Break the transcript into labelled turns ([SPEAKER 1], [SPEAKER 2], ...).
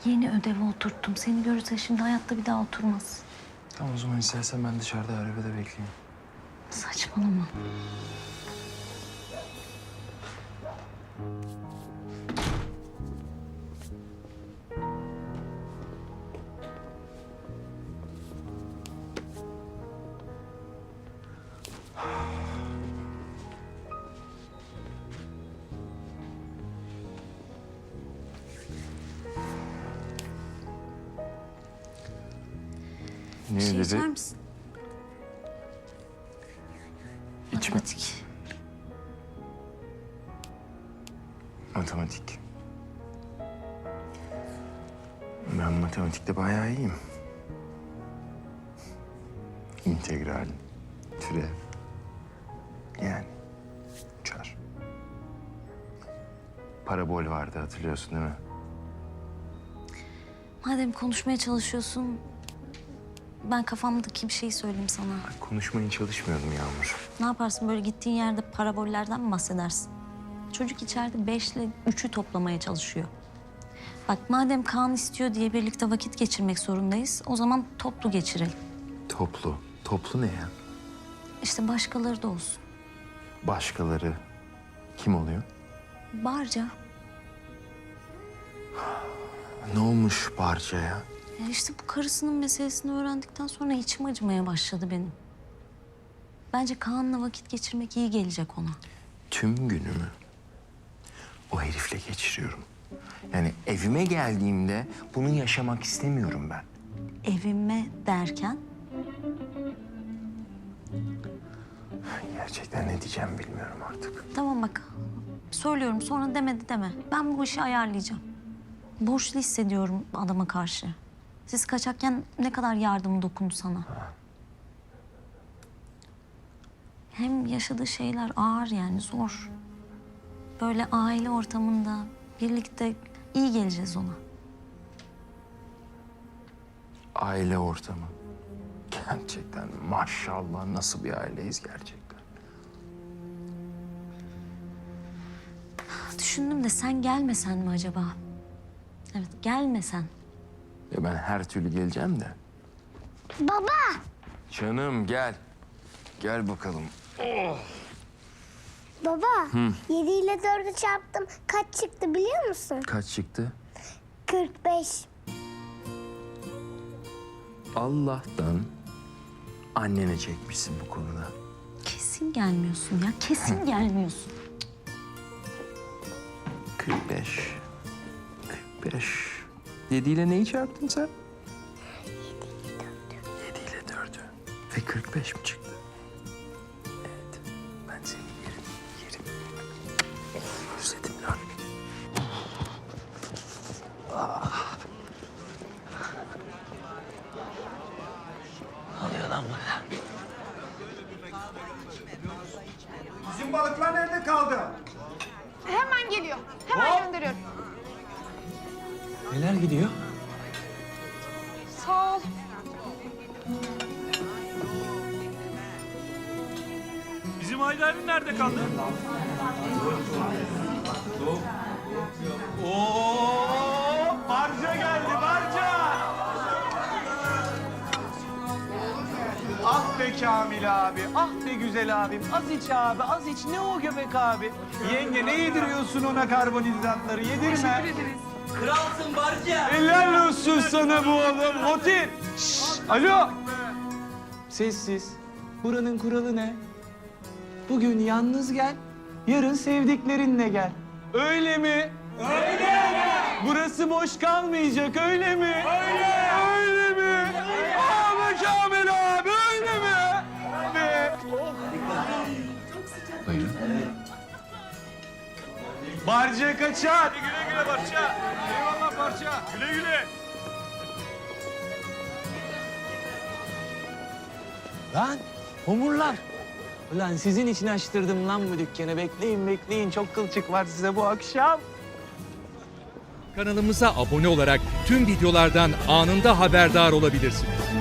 [SPEAKER 1] Yeni ödevi oturttum. Seni görürse şimdi hayatta bir daha oturmaz.
[SPEAKER 2] Tamam o zaman istersen ben dışarıda arabada bekleyeyim.
[SPEAKER 1] Saçmalama.
[SPEAKER 2] Ne
[SPEAKER 1] Bir şey
[SPEAKER 2] dedi?
[SPEAKER 1] içer misin?
[SPEAKER 2] İçme.
[SPEAKER 1] Matematik.
[SPEAKER 2] Matematik. Ben matematikte bayağı iyiyim. İntegral, türev. Yani uçar. Parabol vardı hatırlıyorsun değil mi?
[SPEAKER 1] Madem konuşmaya çalışıyorsun, ben kafamdaki bir şey söyleyeyim sana.
[SPEAKER 2] Ben konuşmaya çalışmıyordum Yağmur.
[SPEAKER 1] Ne yaparsın böyle gittiğin yerde parabollerden mi bahsedersin? Çocuk içeride 5 ile 3'ü toplamaya çalışıyor. Bak madem Kaan istiyor diye birlikte vakit geçirmek zorundayız, o zaman toplu geçirelim.
[SPEAKER 2] Toplu. Toplu ne ya?
[SPEAKER 1] İşte başkaları da olsun.
[SPEAKER 2] Başkaları kim oluyor?
[SPEAKER 1] Barca.
[SPEAKER 2] Ne olmuş Barca'ya?
[SPEAKER 1] Ya işte bu karısının meselesini öğrendikten sonra içim acımaya başladı benim. Bence Kaan'la vakit geçirmek iyi gelecek ona.
[SPEAKER 2] Tüm günümü o herifle geçiriyorum. Yani evime geldiğimde bunu yaşamak istemiyorum ben.
[SPEAKER 1] Evime derken
[SPEAKER 2] Gerçekten ne diyeceğim bilmiyorum artık.
[SPEAKER 1] tamam bak söylüyorum sonra demedi deme. Ben bu işi ayarlayacağım. Borçlu hissediyorum adama karşı. Siz kaçakken ne kadar yardımı dokundu sana. Hem yaşadığı şeyler ağır yani zor. Böyle aile ortamında birlikte iyi geleceğiz ona.
[SPEAKER 2] Aile ortamı. Gerçekten maşallah nasıl bir aileyiz gerçekten.
[SPEAKER 1] Düşündüm de sen gelmesen mi acaba? Evet gelmesen.
[SPEAKER 2] Ya ben her türlü geleceğim de.
[SPEAKER 3] Baba,
[SPEAKER 2] Canım gel. Gel bakalım.
[SPEAKER 3] baba. 7 ile 4'ü çarptım. Kaç çıktı biliyor musun?
[SPEAKER 2] Kaç çıktı?
[SPEAKER 3] 45.
[SPEAKER 2] Allah'tan annene çekmişsin bu konuda.
[SPEAKER 1] Kesin gelmiyorsun ya. Kesin gelmiyorsun.
[SPEAKER 2] 45. 45. 7 ile neyi çarptın sen? 7 ile 4'ü. Ve 45 mi çıktı? Evet. Ben seni yerim. Özledim lan. Ne oluyor lan burada?
[SPEAKER 4] Bizim balıklar nerede kaldı?
[SPEAKER 5] Hemen geliyor. Hemen gönderiyorum.
[SPEAKER 6] Neler gidiyor?
[SPEAKER 5] Sağ ol.
[SPEAKER 4] Bizim Hayri abim nerede kaldı? Oo, Barca geldi, Barca! Ah be Kamil abi, ah be güzel abim. Az iç abi, az iç. Ne o göbek abi? Yenge ne yediriyorsun ona karbonhidratları? Yedirme.
[SPEAKER 6] Kralsın Barca.
[SPEAKER 4] Helal olsun sana bu oğlum. Otir. Şşş, alo. Sessiz. Buranın kuralı ne? Bugün yalnız gel, yarın sevdiklerinle gel. Öyle mi? Öyle. Burası boş kalmayacak, öyle mi? Öyle. Öyle mi? Abi Kamil abi, öyle mi? Be.
[SPEAKER 2] Buyurun.
[SPEAKER 4] Barca kaçar. Güle güle Barca. Eyvallah Barca. Güle güle.
[SPEAKER 6] Lan homurlar. Ulan sizin için açtırdım lan bu dükkanı. Bekleyin bekleyin. Çok kılçık var size bu akşam.
[SPEAKER 7] Kanalımıza abone olarak tüm videolardan anında haberdar olabilirsiniz.